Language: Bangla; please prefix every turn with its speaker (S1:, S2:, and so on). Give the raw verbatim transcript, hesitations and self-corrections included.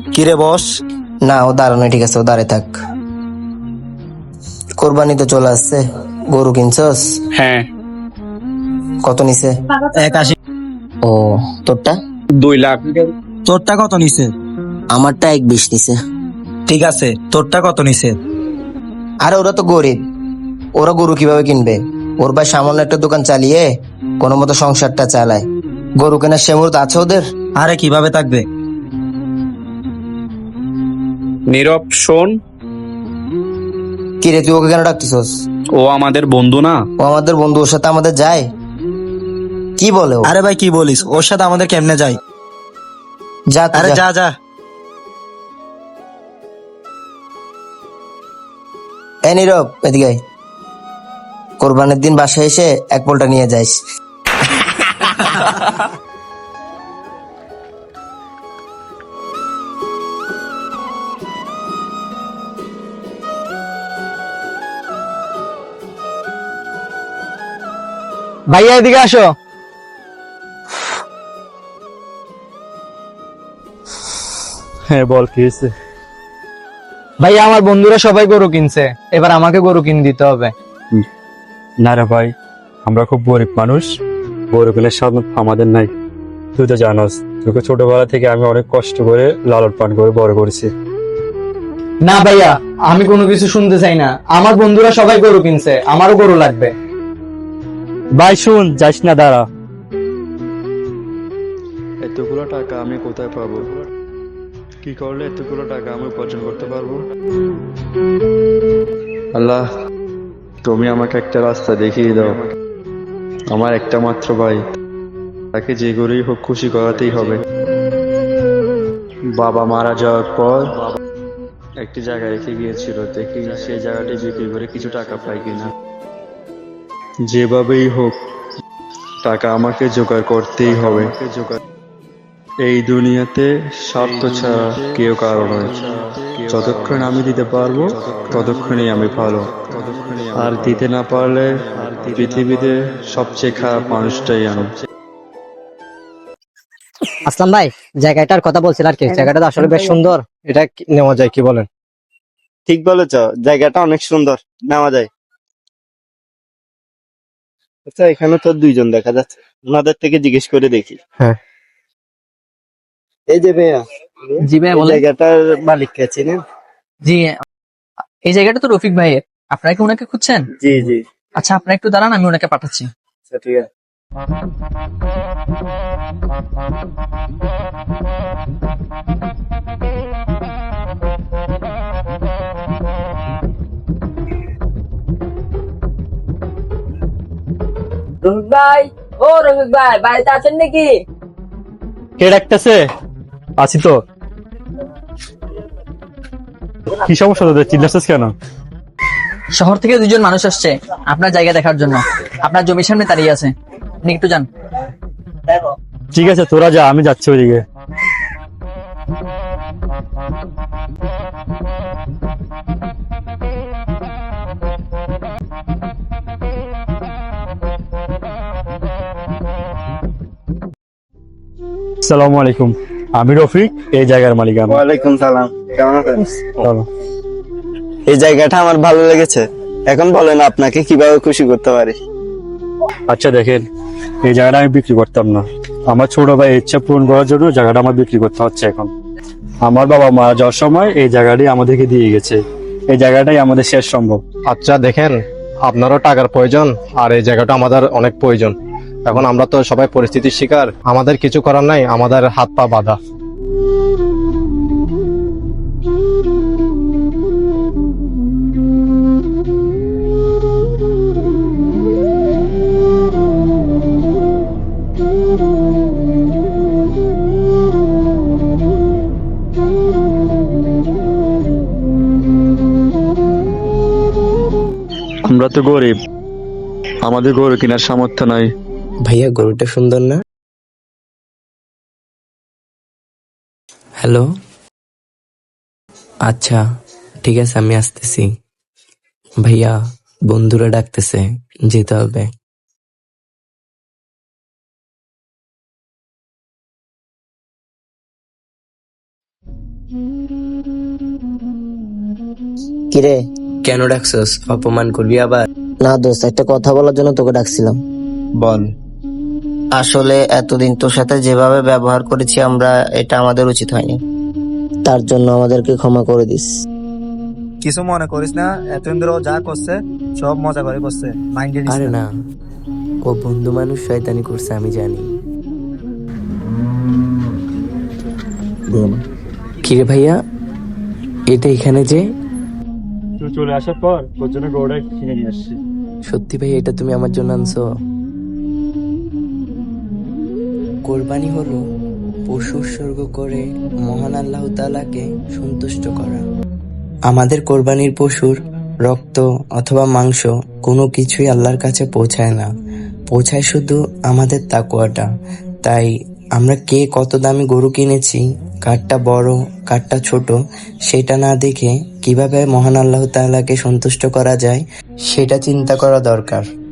S1: কিরে বস?
S2: না, ও দাঁড়ানো, ঠিক আছে, ও দাঁড়ায় থাক। কোরবানি তো চলে আসছে, গরু কিনছস?
S3: হ্যাঁ।
S2: কত নিছে?
S1: একাশি।
S2: ও, তোরটা?
S3: দুই লাখ।
S1: তোরটা কত নিছে?
S2: আমারটা এক বিশ নিছে।
S1: ঠিক আছে, তোরটা কত নিছে?
S2: আরে ওরা তো গরিব, ওরা গরু কিভাবে কিনবে? ওর ভাই সামান্য একটা দোকান চালিয়ে কোনো মতো সংসারটা চালায়। গরু কেনার সেমুরত আছে ওদের?
S1: আরে কিভাবে থাকবে?
S3: নীরব শোন,
S2: কিরে, তুই ওকে কেন ডাকতেছস?
S3: ও আমাদের বন্ধু না।
S2: ও আমাদের বন্ধু, ওর সাথে আমাদের যায়? কি বলে ও?
S1: আরে ভাই কি বলিস, ওর সাথে আমাদের কেমনে যাই?
S2: যা তুই
S1: আরে
S2: যা।
S1: যা যা।
S2: এ নীরব, এদিকে আয়। কোরবানির দিন বাসায় এসে এক পোলটা নিয়ে যাইস।
S4: ভাইয়া এদিকে আসো।
S5: হ্যাঁ বল, কি হয়েছে?
S4: ভাইয়া আমার বন্ধুরা সবাই গরু কিনছে, এবার আমাকে গরু কিনে দিতে হবে।
S5: না রে ভাই, আমরা খুব গরিব মানুষ, গরু কেনার সামর্থ্য আমাদের নাই। তুই তো জানোস, তোকে ছোটবেলা থেকে আমি অনেক কষ্ট করে লালন পালন করে বড় করেছি।
S4: না ভাইয়া, আমি কোনো কিছু শুনতে চাই না, আমার বন্ধুরা সবাই গরু কিনছে, আমারও গরু লাগবে।
S5: ভাই শুন, যাস না, দাঁড়া। এতগুলো টাকা আমি কোথায় পাবো? কি করলে এতগুলো টাকা আমি উপার্জন করতে পারবো? আল্লাহ, তুমি আমাকে একটা রাস্তা দেখিয়ে দাও। আমার একটা মাত্র ভাই, তাকে যে করেই হোক খুশি করাতেই হবে। বাবা মারা যাওয়ার পর একটি জায়গা রেখে গিয়েছিল, দেখি সেই জায়গাটি বিক্রি করে কিছু টাকা পাই কিনা। যেভাবেই হোক টাকা আমাকে জোগাড় করতেই হবে। এই দুনিয়াতে স্বার্থ ছাড়া কেউ কারো নয়। যতক্ষণ আমি দিতে পারবো ততক্ষণই আমি ভালো, আর দিতে না পারলে পৃথিবীতে সবচেয়ে খারাপ মানুষটাই আমি।
S6: আসলাম ভাই, জায়গাটার কথা বলছিল আর কি, জায়গাটা তো আসলে বেশ সুন্দর, এটা কি- নেওয়া যায়, কি বলেন?
S7: ঠিক বলেছ, জায়গাটা অনেক সুন্দর, নেওয়া যায়। আচ্ছা, এখানে তো দুইজন দেখা যাচ্ছে, ওনাদের থেকে জিজ্ঞেস করে দেখি।
S6: হ্যাঁ।
S7: এই যে ভাইয়া,
S8: জি ভাইয়া
S7: এই
S8: বলেন।
S7: জায়গাটার মালিক কে চিনেন?
S8: জি, এই জায়গাটা তো রফিক ভাইয়ের। আপনারা কি ওনাকে খুঁজছেন?
S7: জি জি।
S8: আচ্ছা, আপনারা একটু দাঁড়ান, আমি ওনাকে পাঠাচ্ছি।
S7: আচ্ছা ঠিক আছে।
S9: রফিক ভাই, ও রফিক ভাই, বাড়িতে আছেন নাকি?
S5: কে ডাকতেছে? আছি তো। কি সমস্যা তোদের, চিল্লাচ্ছিস কেন?
S8: শহর থেকে দুজন মানুষ আসছে আপনার জায়গা দেখার জন্য। আপনার জমির সামনে দাঁড়িয়ে আছে, আপনি একটু যান।
S5: ঠিক আছে, তোরা যা, আমি যাচ্ছি ওইদিকে। আসসালামু আলাইকুম, আমি রফিক, এই জায়গার মালিক আমি।
S7: ওয়ালাইকুম সালাম, কেমন আছেন?
S5: চলো।
S7: এই জায়গাটা আমার ভালো লেগেছে, এখন বলেন আপনাকে কিভাবে খুশি করতে পারি।
S5: আচ্ছা দেখেন, এই জায়গাটা আমি বিক্রি করতাম না, আমার ছোট ভাই ইচ্ছা পূরণ করার জন্য জায়গাটা আমার বিক্রি করতে হচ্ছে এখন। আমার বাবা মারা যাওয়ার সময় এই জায়গাটি আমাদেরকে দিয়ে গেছে, এই জায়গাটাই আমাদের শেষ সম্ভব।
S4: আচ্ছা দেখেন, আপনারও টাকার প্রয়োজন, আর এই জায়গাটা আমাদের অনেক প্রয়োজন। এখন আমরা তো সবাই পরিস্থিতির শিকার, আমাদের কিছু করার নাই, আমাদের হাত পা বাঁধা।
S5: আমরা তো গরিব, আমাদের গরু কেনার সামর্থ্য নাই।
S2: ভাইয়া, গরুটা সুন্দর না? হ্যালো, আচ্ছা ঠিক আছে, আমি আসতেছি। ভাইয়া, বন্ধুরা ডাকতেছে, যেতে হবে। কিরে?
S10: কেন ডাকছস? অপমান করবি আবার?
S2: না দোস্ত, একটা কথা বলার জন্য তোকে ডাকছিলাম।
S1: বল।
S2: আসলে এতদিন তোর সাথে যেভাবে ব্যবহার করেছি আমরা, এটা আমাদের উচিত হয়নি। তার জন্য আমাদেরকে ক্ষমা করে দিস।
S1: কিছু মনে করিস না, এতদিন ধরে ও যা করছে সব মজা করে করছে, মাইন্ডে নিস
S10: আরে
S1: না।
S10: না, ও বন্ধু মানুষ, শয়তানি করছে আমি জানি। কিরে ভাইয়া, এটা এখানে যে?
S5: তুই চলে আসার পর তোর জন্য গরুটা কিনে নিয়ে আসছি।
S10: সত্যি ভাই, এটা তুমি আমার জন্য আনছো? কোরবানি হলো পশু উৎসর্গ করে মহান আল্লাহ তাআলাকে সন্তুষ্ট করা। আমাদের কোরবানির পশুর রক্ত অথবা মাংস কোনো কিছুই আল্লাহর কাছে পৌঁছায় না, পৌঁছায় শুধু আমাদের তাকওয়াটা। তাই আমরা কে কত দামি গরু কিনেছি, কারটা বড় কারটা ছোট, সেটা না দেখে কিভাবে মহান আল্লাহ তাআলাকে সন্তুষ্ট করা যায় সেটা চিন্তা করা দরকার।